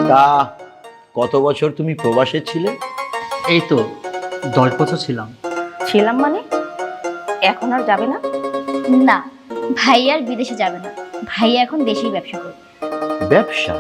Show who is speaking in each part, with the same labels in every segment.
Speaker 1: তা কত বছর তুমি প্রবাসে ছিলে?
Speaker 2: এই তো 10 বছর ছিলাম।
Speaker 3: ছিলাম মানে এখন আর যাবে না?
Speaker 4: না, ভাইয়া আর বিদেশে যাবে না। ভাইয়া এখন দেশেই ব্যবসা করবে।
Speaker 1: ব্যবসা?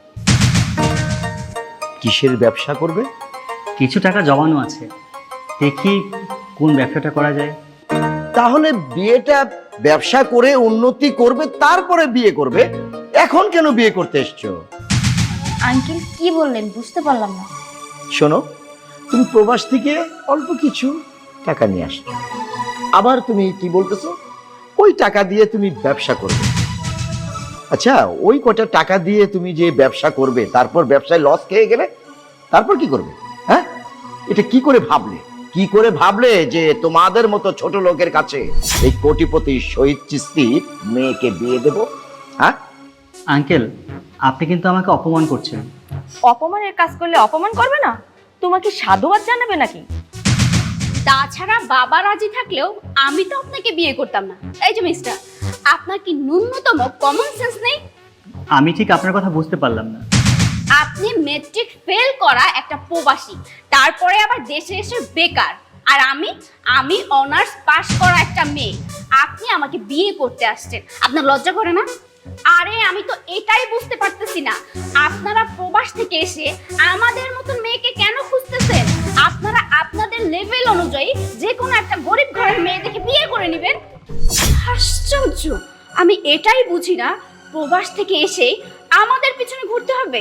Speaker 1: কিসের ব্যবসা করবে?
Speaker 2: কিছু টাকা জমানো আছে, দেখি কোন ব্যবসাটা করা যায়।
Speaker 1: তাহলে বিয়েটা ব্যবসা করে উন্নতি করবে, তারপরে বিয়ে করবে। এখন কেন বিয়ে করতে এসছো?
Speaker 4: আঙ্কেল কি বললেন বুঝতে পারলাম না।
Speaker 1: শোনো, তুমি প্রবাস থেকে অল্প কিছু টাকা নিয়ে আসছো, আবার তুমি কি বলতেছো ওই টাকা দিয়ে তুমি ব্যবসা করবে। আচ্ছা, ওই কটা টাকা দিয়ে তুমি যে ব্যবসা করবে, তারপর ব্যবসায় লস খেয়ে গেলে তারপর কি করবে? হ্যাঁ, এটা কি করে ভাবলে? কি করে ভাবলে যে তোমাদের মতো ছোট লোকের কাছে এই কোটিপতি শহীদ চিস্তির মেয়েকে বিয়ে দেব? হ্যাঁ
Speaker 2: আঙ্কেল, আপনি কিন্তু আমাকে অপমান করছেন।
Speaker 3: অপমানের কাজ করলে অপমান করবে না? তোমাকে সাধুবাদ জানাবে নাকি?
Speaker 5: তাছাড়া বাবা রাজি থাকলেও আমি তো আপনাকে বিয়ে করতাম না। এই যে মিস্টার, আপনার কি ন্যূনতম কমন সেন্স নেই?
Speaker 2: আমি ঠিক আপনার কথা বুঝতে পারলাম না।
Speaker 5: আপনি মেট্রিক ফেল করা একটা প্রবাসী, তারপরে আবার দেশে এসে বেকার, আর আমি অনার্স পাস করা একটা মেয়ে। আপনি আমাকে বিয়ে করতে আসছেন, আপনার লজ্জা করে না? আরে আমি তো এটাই বুঝতে পারতেছি না, আপনারা প্রবাস থেকে এসে আমাদের মতন মেয়েকে কেন খুঁজতেছেন? আপনারা আপনাদের লেভেল অনুযায়ী যে কোনো একটা গরিব ঘরের মেয়ে দেখে বিয়ে করে নেবেন। আশ্চর্য, আমি এটাই বুঝি না, প্রবাস থেকে এসে আমাদের পিছনে ঘুরতে হবে।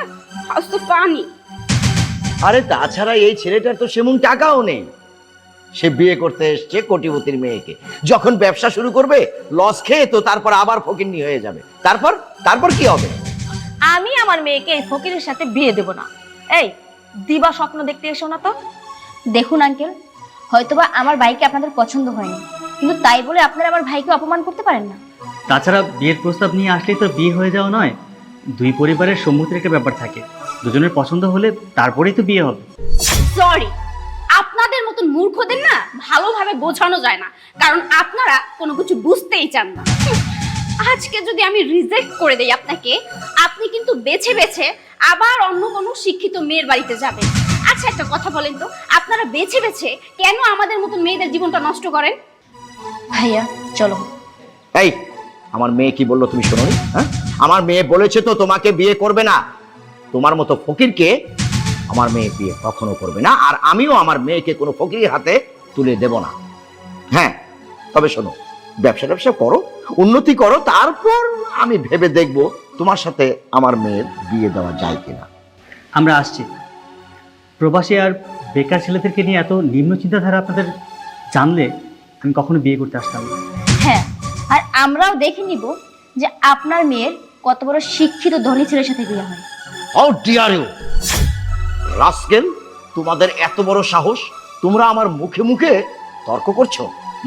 Speaker 5: ফানি।
Speaker 1: আরে তাছাড়া এই ছেলেটার তো সেমন টাকাও নেই। সে বিয়ে করতে এসছে কোটিপতির মেয়েকে, যখন ব্যবসা শুরু করবে লস খেয়ে তো তারপর আবার ফকিন্নি হয়ে যাবে। তারপর কি হবে?
Speaker 3: আমি আমার মেয়েকে এই ফকিরের সাথে বিয়ে দেব না। এই দিবা স্বপ্ন দেখতে এসো না তো।
Speaker 4: দেখুন আঙ্কেল, হয়তোবা আমার ভাইকে আপনাদের পছন্দ হয়নি, কিন্তু তাই বলে আপনারা আমার ভাইকে অপমান করতে পারেন না।
Speaker 2: তাছাড়া বিয়ের প্রস্তাব নিয়ে আসলেই তো বিয়ে হয়ে যাওয়া নয়, দুই পরিবারের সম্মতির একটা ব্যাপার থাকে। দুজনের পছন্দ হলে তারপরেই তো বিয়ে হবে।
Speaker 5: সরি, আপনাদের মতন মূর্খদের না ভালোভাবে বোঝানো যায় না, কারণ আপনারা কোনো কিছু বুঝতেই চান না। আজকে যদি আমি রিজেক্ট করে দেই আপনাকে, আপনি কিন্তু বেছে বেছে আবার অন্য কোনো শিক্ষিত মেয়ের বাড়িতে যাবেন। আচ্ছা একটা কথা বলেন তো, আপনারা বেছে বেছে কেন আমাদের মতন মেয়েদের জীবনটা নষ্ট করেন?
Speaker 4: ভাইয়া চলো।
Speaker 1: এই, আমার মেয়ে কি বললো তুমি শোনোনি? হ্যাঁ, আমার মেয়ে বলেছে তো তোমাকে বিয়ে করবে না। তোমার মতো ফকিরকে আমার মেয়ে বিয়ে কখনো করবে না, আর আমিও আমার মেয়েকে কোনো ফকিরের হাতে তুলে দেব না। হ্যাঁ, তবে শোনো, ব্যবসা করো, উন্নতি করো, তারপর আমি ভেবে দেখব তোমার সাথে আমার মেয়ের বিয়ে দেওয়া যায় কিনা।
Speaker 2: আমরা আসছি। প্রবাসী আর বেকার ছেলেদেরকে নিয়ে এত নিম্ন চিন্তাধারা আপনাদের জানলে আমি কখনো বিয়ে করতে আসতাম না।
Speaker 4: হ্যাঁ, আর আমরাও দেখে নিব যে আপনার মেয়ের কত বড় শিক্ষিত ধনী ছেলের সাথে বিয়ে হয়।
Speaker 1: হাউ ডিয়ার ইউ রাস্কেল, তোমাদের এত বড় সাহস, তোমরা আমার মুখে মুখে তর্ক করছো?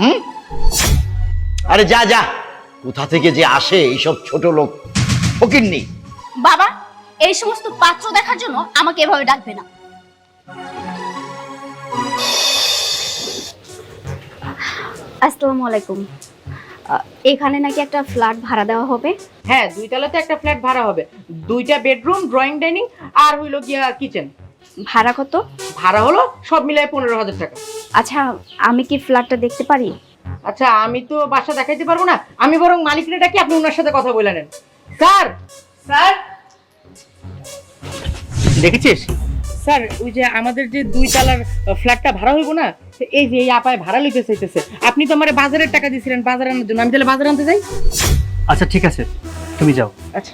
Speaker 1: আরে যা, কোথা থেকে যে আসে এইসব ছোট লোক ফকিন্নি।
Speaker 5: বাবা, এই সমস্ত পাত্র দেখার জন্য আমাকে এভাবে ডাকবে না। আসসালামু আলাইকুম। এখানে নাকি একটা ফ্ল্যাট ভাড়া দেওয়া হবে?
Speaker 6: হ্যাঁ, 2 তলাতে একটা ফ্ল্যাট ভাড়া হবে, 2টা বেডরুম, ড্রয়িং ডাইনিং আর হইলো গিয়া কিচেন।
Speaker 5: ভাড়া কত?
Speaker 6: ভাড়া হলো সব মিলাই 15,000 টাকা।
Speaker 5: আচ্ছা, আমি কি ফ্ল্যাটটা দেখতে পারি?
Speaker 6: আচ্ছা, আমি তো বাসা দেখাইতে পারবো না, আমি বরং মালিকরে ডাকি, আপনি ওনার সাথে কথা বলে নেন। স্যার,
Speaker 2: দেখেছিস?
Speaker 6: স্যার, ওই যে আমাদের যে 2 তলার ফ্ল্যাটটা ভাড়া হইব না, এই যে এই আপায় ভাড়া লইতে চাইতেছে। আপনি তো আমারে বাজারের টাকা দিয়েছিলেন বাজার আনার জন্য, আমি তাহলে বাজার আনতে যাই?
Speaker 2: আচ্ছা ঠিক আছে, তুমি যাও।
Speaker 6: আচ্ছা।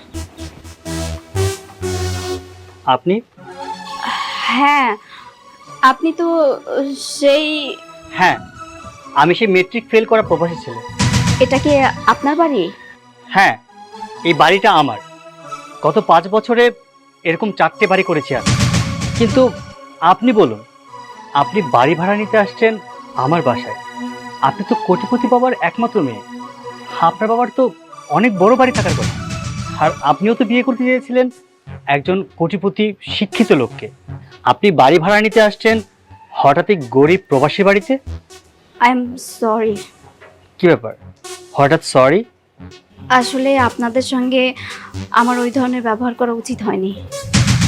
Speaker 2: আপনি?
Speaker 5: হ্যাঁ, আপনি তো সেই...
Speaker 2: হ্যাঁ, আমি সেই মেট্রিক ফেল করা প্রবাসী ছেলে।
Speaker 5: এটা কি আপনার বাড়ি?
Speaker 2: হ্যাঁ, এই বাড়িটা আমার। গত 5 বছরে এরকম 4টে বাড়ি করেছি আমি। কিন্তু আপনি বলুন, আপনি বাড়ি ভাড়া নিতে আসছেন আমার বাসায়? আপনি তো কোটিপতি বাবার একমাত্র মেয়ে, আপনার বাবার তো অনেক বড় বাড়ি থাকার কথা। আর আপনিও তো বিয়ে করতে চেয়েছিলেন একজন কোটিপতি শিক্ষিত লোককে। আপনি বাড়ি ভাড়া নিতে আসছেন হঠাৎই গরিব প্রবাসী বাড়িতে।
Speaker 5: I am sorry.
Speaker 2: কি ব্যাপার, হঠাৎ সরি?
Speaker 5: আসলে আপনাদের সঙ্গে আমার ওই ধরনের ব্যবহার করা উচিত হয়নি।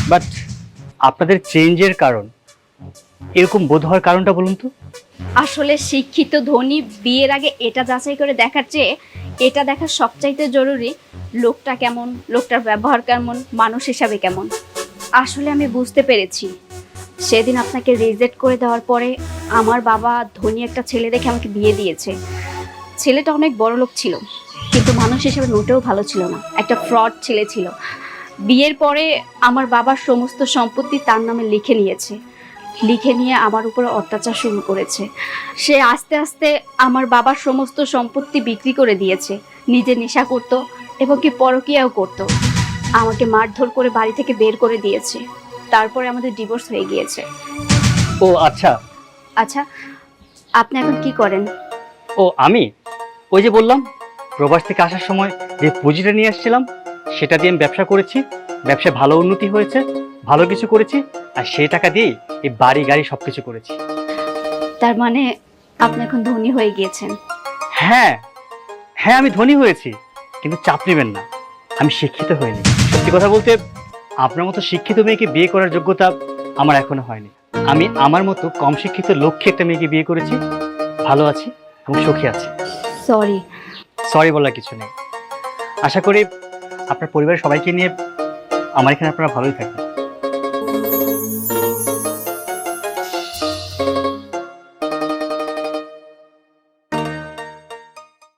Speaker 2: বাট আপনাদের চেঞ্জের কারণ, এরকম বোধ হওয়ার কারণটা বলুন তো।
Speaker 5: আসলে শিক্ষিত ধনী বিয়ের আগে এটা যাচাই করে দেখার চেয়ে এটা দেখা সবচাইতে জরুরি, লোকটা কেমন, লোকটার ব্যবহার কেমন, মানুষ হিসাবে কেমন। আসলে আমি বুঝতে পেরেছি সেদিন আপনাকে রিজেক্ট করে দেওয়ার পরে আমার বাবা ধনী একটা ছেলে দেখে আমাকে বিয়ে দিয়েছে। ছেলেটা অনেক বড় লোক ছিল, কিন্তু মানুষ হিসেবে মোটেও ভালো ছিল না, একটা ফ্রড ছেলে ছিল। বিয়ের পরে আমার বাবার সমস্ত সম্পত্তি তার নামে লিখে নিয়েছে, লিখে নিয়ে আমার উপরে অত্যাচার শুরু করেছে। সে আস্তে আস্তে আমার বাবার সমস্ত সম্পত্তি বিক্রি করে দিয়েছে, নিজে নেশা করত এবং কি পরকীয়াও করত। আমাকে মারধর করে বাড়ি থেকে বের করে দিয়েছে, তারপরে আমাদের ডিভোর্স হয়ে গিয়েছে।
Speaker 2: ও আচ্ছা।
Speaker 5: আচ্ছা, আপনি এখন কি করেন?
Speaker 2: ও আমি ওই যে বললাম, প্রবাস থেকে আসার সময় যে পুঁজিটা নিয়ে আসছিলাম সেটা দিয়ে আমি ব্যবসা করেছি, ব্যবসায় ভালো উন্নতি হয়েছে, ভালো কিছু করেছি, আর সেই টাকা দিয়েই এই বাড়ি গাড়ি সবকিছু করেছি।
Speaker 5: তার মানে আপনি এখন ধনী হয়ে গিয়েছেন?
Speaker 2: হ্যাঁ হ্যাঁ, আমি ধনী হয়েছি, কিন্তু চাপ নেবেন না, আমি শিক্ষিত হইনি। সত্যি কথা বলতে আপনার মতো শিক্ষিত মেয়েকে বিয়ে করার যোগ্যতা আমার এখনো হয়নি। আমি আমার মতো কম শিক্ষিত লক্ষ্যে একটা মেয়েকে বিয়ে করেছি, ভালো আছি এবং সুখী আছি।
Speaker 5: সরি।
Speaker 2: সরি বলার কিছু নেই। আশা করি আপনার পরিবারের সবাইকে নিয়ে আমার এখানে আপনারা ভালোই থাকবেন।